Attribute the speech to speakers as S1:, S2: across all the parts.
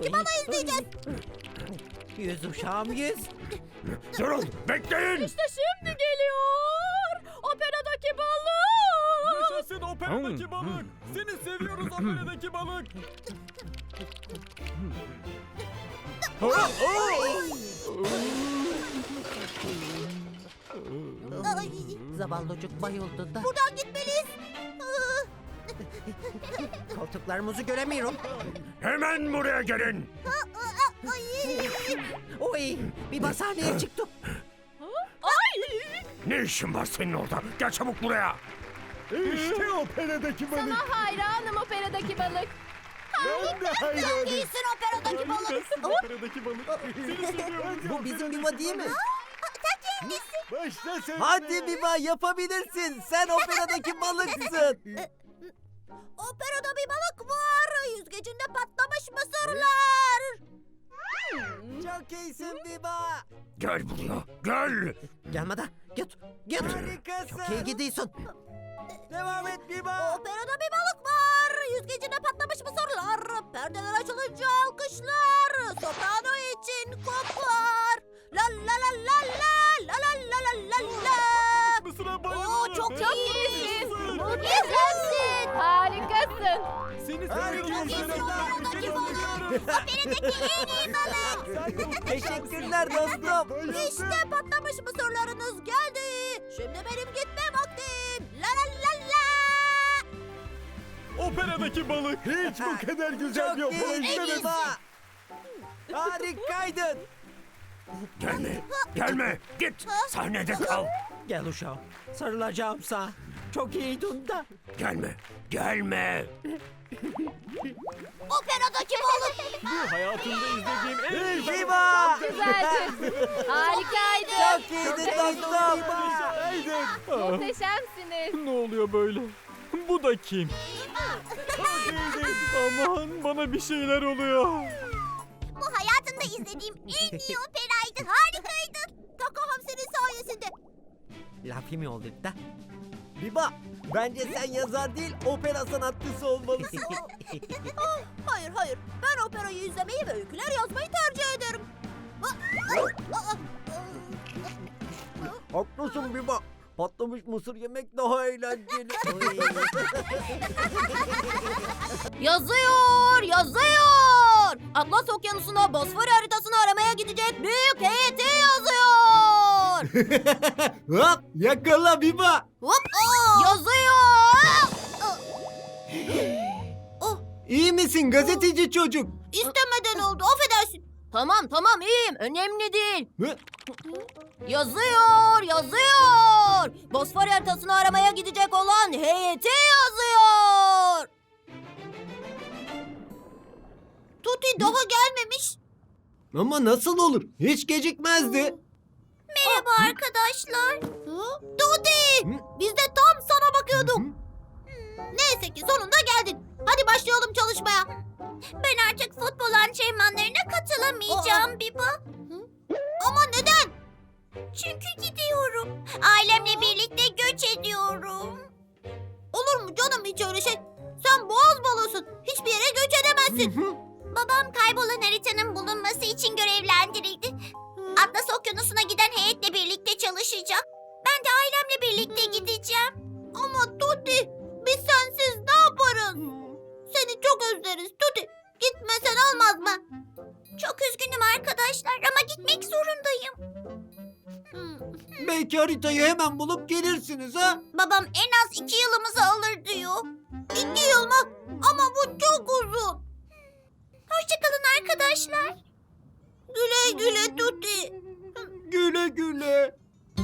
S1: operadaki balığı izleyeceğiz.
S2: Yüz uşağım yüz.
S3: Durun, bekleyin.
S4: İşte şimdi geliyor. Operadaki balık.
S5: Yaşasın operadaki balık. Seni seviyoruz operadaki balık.
S1: Ay,
S2: Zavallıcık bayıldı da.
S1: buradan gitmeliyiz.
S2: Koltuklarımızı göremiyorum.
S3: Hemen buraya gelin.
S1: Ay.
S2: Oy, bir basaneye çıktı.
S4: Ay.
S3: Ne işin var senin orada? Gel çabuk buraya.
S5: İşte operadaki balık.
S6: Hayranım operadaki balık.
S5: Ben de hayranım.
S1: İyisin operadaki balık.
S5: Yaşasın operadaki balık. Seni seviyoruz.
S2: Bu bizim Biba değil mi?
S5: Başla sen.
S2: Hadi Biba yapabilirsin. Sen operadaki balıksın.
S1: Operada bir balık var. Yüzgecinde patlamış mısırlar.
S2: Çok iyisin Biba.
S3: Gel buraya, gel.
S2: Gelme de git. Git. Harikasın. Çok iyi gidiyorsun. Devam et Biba.
S1: Operada bir balık var. Yüzgecinde patlamış mısırlar. Perdeler açılınca alkışlar. Soprano için kopar. La la la la la la la la la la la.
S5: Mısır'a bayıldım.
S1: Oo, çok
S6: iyisin.
S1: Muhteşemsin.
S6: Harikasın.
S5: Seni
S2: Harikasın.
S5: seviyoruz.
S1: Operadaki balık. Operadaki en iyi balık.
S2: Teşekkürler dostum.
S1: İşte patlamış mısırlarınız geldi. Şimdi benim gitme vaktim. La la la la.
S5: Operadaki balık. Hiç bu kadar güzel bir
S2: Çok
S5: opera
S2: iyi
S5: izlemedim.
S2: Biba. Harikaydın.
S3: Gelme, gelme. Git, sahnede kal.
S2: Gel uşağım. Sarılacağım sana. Çok iyiydin da.
S3: Gelme, gelme.
S1: Operadaki balık.
S5: Bu hayatımda izlediğim en iyi balık.
S2: Biba.
S6: Güzeldi. Harikaydı.
S2: Çok iyiydin dostum.
S5: Aydın. Ah,
S6: Muhteşemsiniz.
S5: ne oluyor böyle? Bu da kim? Aman bana bir şeyler oluyor.
S1: Bu hayatımda izlediğim en iyi operaydı. Harikaydı. Takaham senin sayesinde.
S2: Laf mi oldu da? Biba, bence sen yazar değil, opera sanatçısı olmalısın.
S1: Hayır hayır. Ben operayı izlemeyi ve öyküler yazmayı tercih ederim.
S2: Haklısın Biba. Patlamış mısır yemek daha eğlenceli.
S1: Yazıyor, yazıyor. Atlas Okyanusu'na Bosfor haritasını aramaya gidecek büyük heyeti yazıyor.
S2: Hop, yakala Biba.
S1: Hop, yazıyor.
S2: İyi misin gazeteci çocuk?
S1: İstemeden oldu, affedersin. Tamam tamam iyiyim, önemli değil.
S2: Hı?
S1: Yazıyor, yazıyor. Bosfor haritasını aramaya gidecek olan heyeti yazıyor. Tuti daha gelmemiş.
S2: Ama nasıl olur? Hiç gecikmezdi.
S1: Merhaba arkadaşlar. Tuti, biz de tam sana bakıyorduk. Neyse ki sonunda geldin. Hadi başlayalım çalışmaya. Ben artık futbol antrenmanlarına katılamayacağım Biba. Ama neden? Çünkü gidiyorum. Ailemle birlikte göç ediyorum. Olur mu canım hiç öyle şey? Sen boğaz balığısın. Hiçbir yere göç edemezsin. Babam kaybolan haritanın bulunması için görevlendirildi. Atlas Okyanusu'na giden heyetle birlikte çalışacak. Ben de ailemle birlikte gideceğim. Ama Tuti, biz sensiz ne yaparız? Seni çok özleriz Tuti. Gitmesen olmaz mı? Çok üzgünüm arkadaşlar ama gitmek zorundayım.
S2: Belki haritayı hemen bulup gelirsiniz ha?
S1: Babam en az 2 yılımızı alır diyor. 2 yıl mı? Ama bu çok uzun. Hoşçakalın arkadaşlar. Güle güle Tuti.
S2: Güle güle.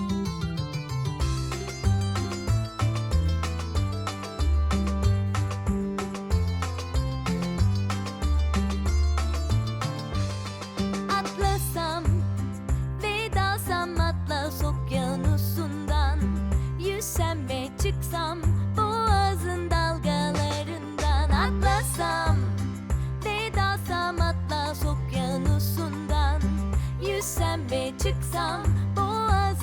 S7: Atlasam ve dalsam Atlas Okyanusu'ndan, yüzsem ve çıksam boğazın dalgalarından. Atlasam ve dalsam Atlas Okyanusu'ndan, yüzsem ve çıksam boğazın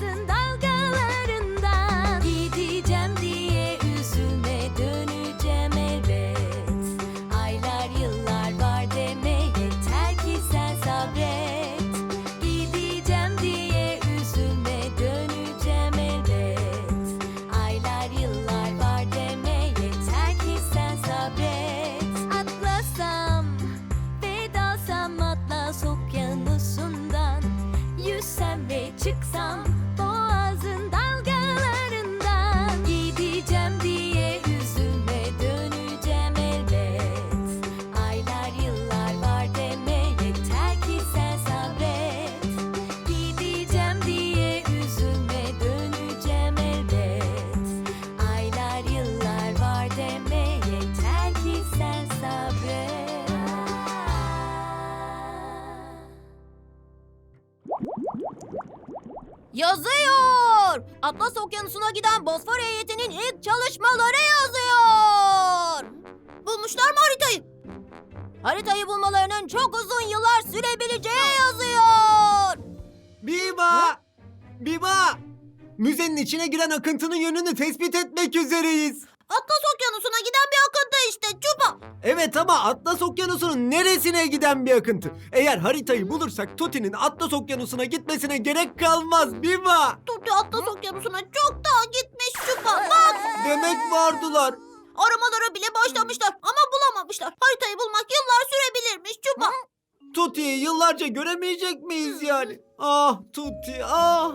S1: Yazıyor. Atlas Okyanusu'na giden Bosfor heyetinin ilk çalışmaları yazıyor. Bulmuşlar mı haritayı? Haritayı bulmalarının çok uzun yıllar sürebileceği yazıyor.
S8: Biba! Biba! Müzenin içine giren akıntının yönünü tespit etmek üzereyiz.
S1: Atlas Okyanusu'na giden bir akıntı işte Çupa.
S8: Evet ama Atlas Okyanusu'nun neresine giden bir akıntı? Eğer haritayı bulursak Tuti'nin Atlas Okyanusu'na gitmesine gerek kalmaz Biba.
S1: Tuti Atlas Okyanusu'na çoktan gitmiş Çupa. Bak.
S8: Demek vardılar.
S1: Aramalara bile başlamışlar ama bulamamışlar. Haritayı bulmak yıllar sürebilirmiş Çupa.
S8: Tuti'yi yıllarca göremeyecek miyiz yani? Ah Tuti ah.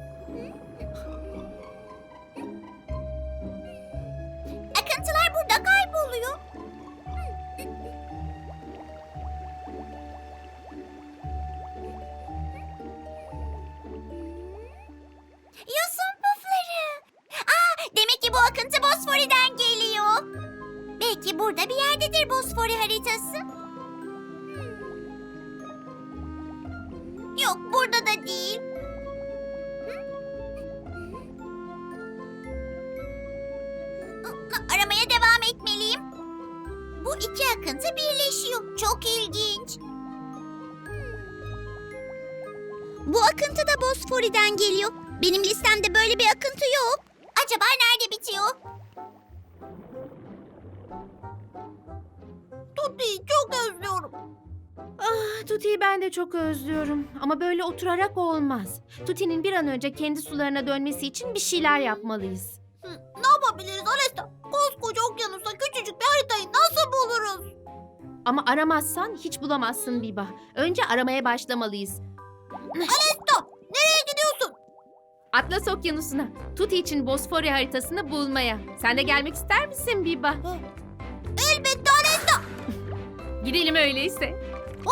S1: Akıntılar burada kayboluyor. Yosun pufları. Demek ki bu akıntı Bosfori'den geliyor. Belki burada bir yerdedir Bosfori haritası. Yok, burada da değil. Aramaya devam etmeliyim. Bu iki akıntı birleşiyor. Çok ilginç. Bu akıntı da Bosfori'den geliyor. Benim listemde böyle bir akıntı yok. Acaba nerede bitiyor? Tuti'yi çok özlüyorum.
S6: Tuti'yi ben de çok özlüyorum. Ama böyle oturarak olmaz. Tuti'nin bir an önce kendi sularına dönmesi için bir şeyler yapmalıyız.
S1: Ne yapabiliriz Alesta? Koskoca okyanusta küçücük bir haritayı nasıl buluruz?
S6: Ama aramazsan hiç bulamazsın Biba. Önce aramaya başlamalıyız.
S1: Alesta, nereye gidiyorsun?
S6: Atlas Okyanusu'na, Tuti için Bosfori haritasını bulmaya. Sen de gelmek ister misin Biba?
S1: Elbette Alesta.
S6: Gidelim öyleyse.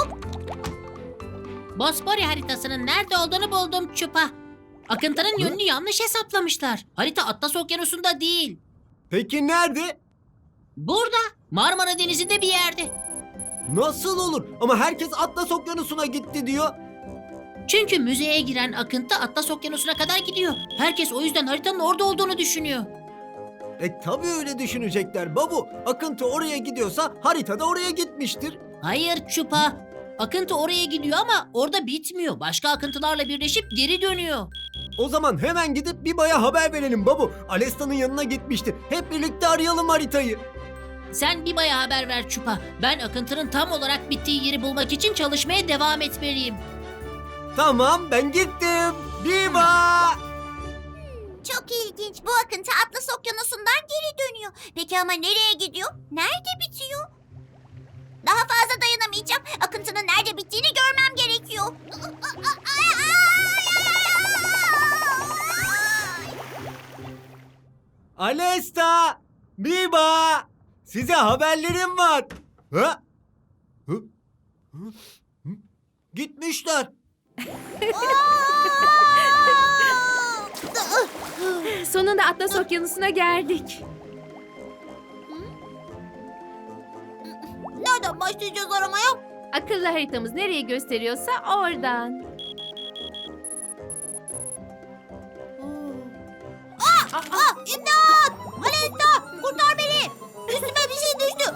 S9: Bosfori haritasının nerede olduğunu buldum Çupa. Akıntının yönünü yanlış hesaplamışlar. Harita Atlas Okyanusu'nda değil.
S8: Peki nerede?
S9: Burada, Marmara Denizi'nde bir yerde.
S8: Nasıl olur? Ama herkes Atlas Okyanusu'na gitti diyor.
S9: Çünkü müzeye giren akıntı Atlas Okyanusu'na kadar gidiyor. Herkes o yüzden haritanın orada olduğunu düşünüyor.
S8: Tabii öyle düşünecekler babu. Akıntı oraya gidiyorsa harita da oraya gitmiştir.
S9: Hayır Çupa. Akıntı oraya gidiyor ama orada bitmiyor. Başka akıntılarla birleşip geri dönüyor.
S8: O zaman hemen gidip Biba'ya haber verelim babu. Alesta'nın yanına gitmiştir. Hep birlikte arayalım haritayı.
S9: Sen Biba'ya haber ver Çupa. Ben akıntının tam olarak bittiği yeri bulmak için çalışmaya devam etmeliyim.
S8: Tamam ben gittim. Biba!
S1: Çok ilginç. Bu akıntı Atlas Okyanusu'ndan geri dönüyor. Peki ama nereye gidiyor? Nerede bitiyor? Daha fazla dayanamayacağım. Akıntının nerede bittiğini görmem gerekiyor.
S8: Alesta! Biba! Size haberlerim var. Ha? Hı? Hı? Hı? Gitmişler.
S6: Sonunda Atlas Okyanusu'na geldik.
S1: Nereden başlayacağız aramaya?
S6: Akıllı haritamız nereye gösteriyorsa oradan.
S1: İmdat! Alesta! Kurtar beni! Üstüme bir şey düştü.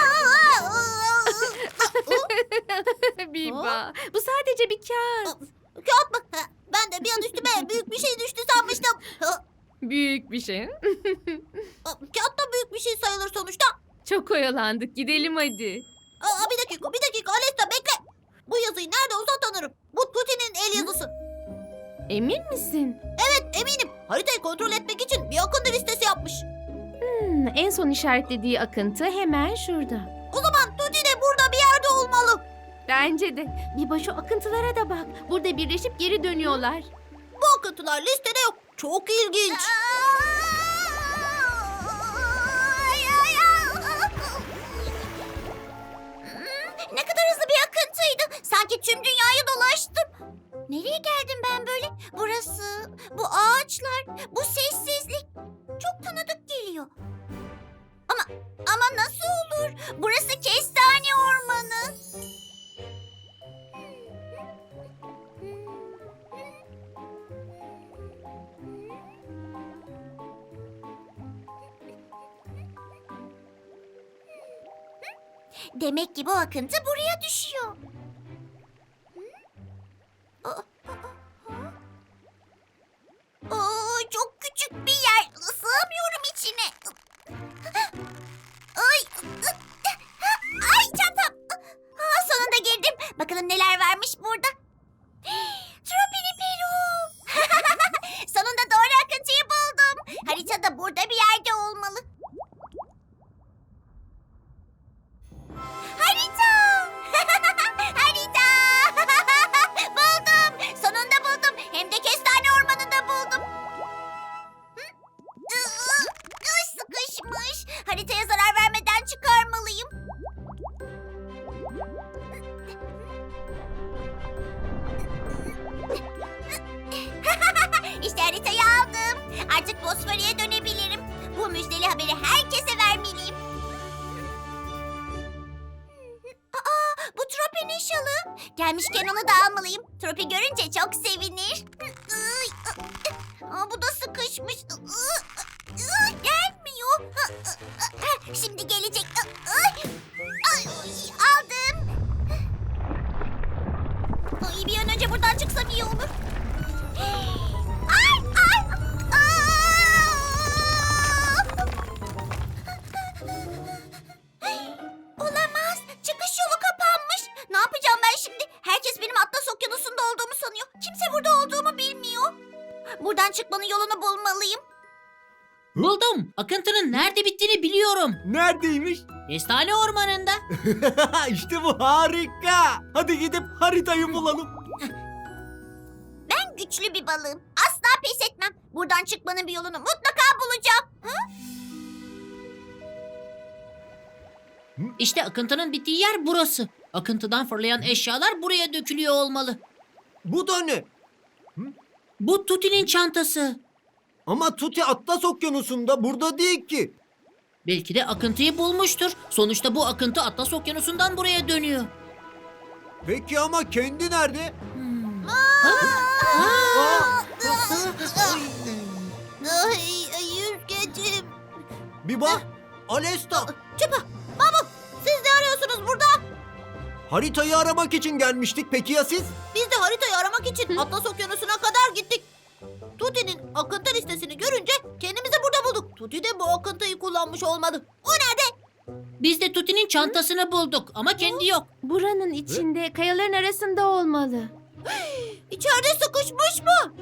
S6: Biba, bu sadece bir kağıt.
S1: Kağıt mı? Ben de bir an üstüme büyük bir şey düştü sanmıştım.
S6: Büyük bir şey.
S1: Kağıt da büyük bir şey sayılır sonuçta.
S6: Çok oyalandık. Gidelim hadi.
S1: Bir dakika Alesta bekle. Bu yazıyı nerede olsa tanırım. Bu Tuti'nin el yazısı.
S6: Emin misin?
S1: Evet eminim. Haritayı kontrol etmek için bir akıntı listesi yapmış.
S6: En son işaretlediği akıntı hemen şurada.
S1: O zaman Tuti de burada bir yerde olmalı.
S6: Bence de. Biba şu akıntılara da bak. Burada birleşip geri dönüyorlar.
S1: Bu akıntılar listede yok. Çok ilginç. Ne kadar hızlı bir akıntıydı. Sanki tüm dünyayı dolaştım. Nereye geldim ben böyle? Burası, bu ağaçlar, bu sessizlik. Çok tanıdık geliyor. Ama nasıl olur? Burası kestane ormanı. Demek ki bu akıntı buraya düşüyor. Çok küçük bir yer. Sığamıyorum içine. Ay çantam. Sonunda girdim. Bakalım neler varmış burada. Tropini Peru. Sonunda doğru akıntıyı buldum. Harita da burada bir yerde olmalı. Harita! Harita! Buldum. Sonunda buldum. Hem de kestane ormanında buldum. Sıkışmış. Haritaya zarar vermeden çıkarmalıyım. İşte haritayı aldım. Artık Bosfor'a dönebilirim. Bu müjdeli haberi herkese vermeliyim. Bu Tropi'nin şalı. Gelmişken onu da almalıyım. Tropi görünce çok sevinir. Bu da sıkışmış. Gelmiyor. Şimdi gelecek. Aldım. Bir an önce buradan çıksam iyi olur. Olamaz. Çıkış yolu kapanmış. Ne yapacağım ben şimdi? Herkes benim Atlas Okyanusu'nda olduğumu sanıyor. Kimse burada olduğumu bilmiyor. Buradan çıkmanın yolunu bulmalıyım.
S9: Buldum. Akıntının nerede bittiğini biliyorum.
S8: Neredeymiş?
S9: Kestane ormanında.
S8: İşte bu harika. Hadi gidip haritayı bulalım.
S1: Ben güçlü bir balığım. Asla pes etmem. Buradan çıkmanın bir yolunu mutlaka bulacağım.
S9: İşte akıntının bittiği yer burası. Akıntıdan fırlayan eşyalar buraya dökülüyor olmalı.
S8: Bu da ne?
S9: Bu Tuti'nin çantası.
S8: Ama Tuti Atlas Okyanusu'nda, burada değil ki.
S9: Belki de akıntıyı bulmuştur. Sonuçta bu akıntı Atlas Okyanusu'ndan buraya dönüyor.
S8: Peki ama kendi nerede?
S1: Yüzgecim.
S8: Biba, Alesta.
S1: Çupa, Mahmut, siz ne arıyorsunuz burada?
S8: Haritayı aramak için gelmiştik. Peki ya siz?
S1: Biz de haritayı aramak için Atlas Okyanusu'na kadar gittik. Tuti'nin akıntı listesini görünce kendimizi burada bulduk. Tuti de bu akıntıyı kullanmış olmalı. O nerede?
S9: Biz de Tuti'nin çantasını bulduk ama kendi yok.
S6: Buranın içinde, kayaların arasında olmalı.
S1: İçeride sıkışmış mı?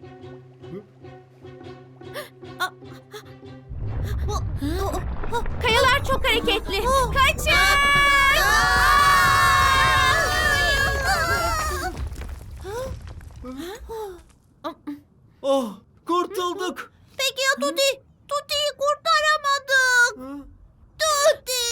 S6: Kayalar çok hareketli. Kaçın!
S8: Oh, kurtulduk.
S1: Peki ya Tuti? Tuti'yi kurtaramadık. Tuti!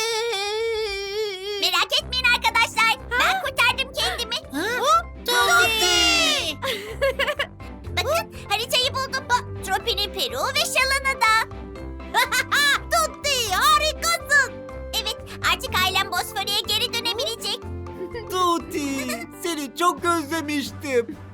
S1: Merak etmeyin arkadaşlar. Ben kurtardım kendimi. Tuti! Bakın haritayı buldum. Tropi'nin Peru ve şalını da. Tuti harikasın. Evet artık ailem Bosfor'a geri dönebilecek.
S8: Tuti, seni çok özlemiştim.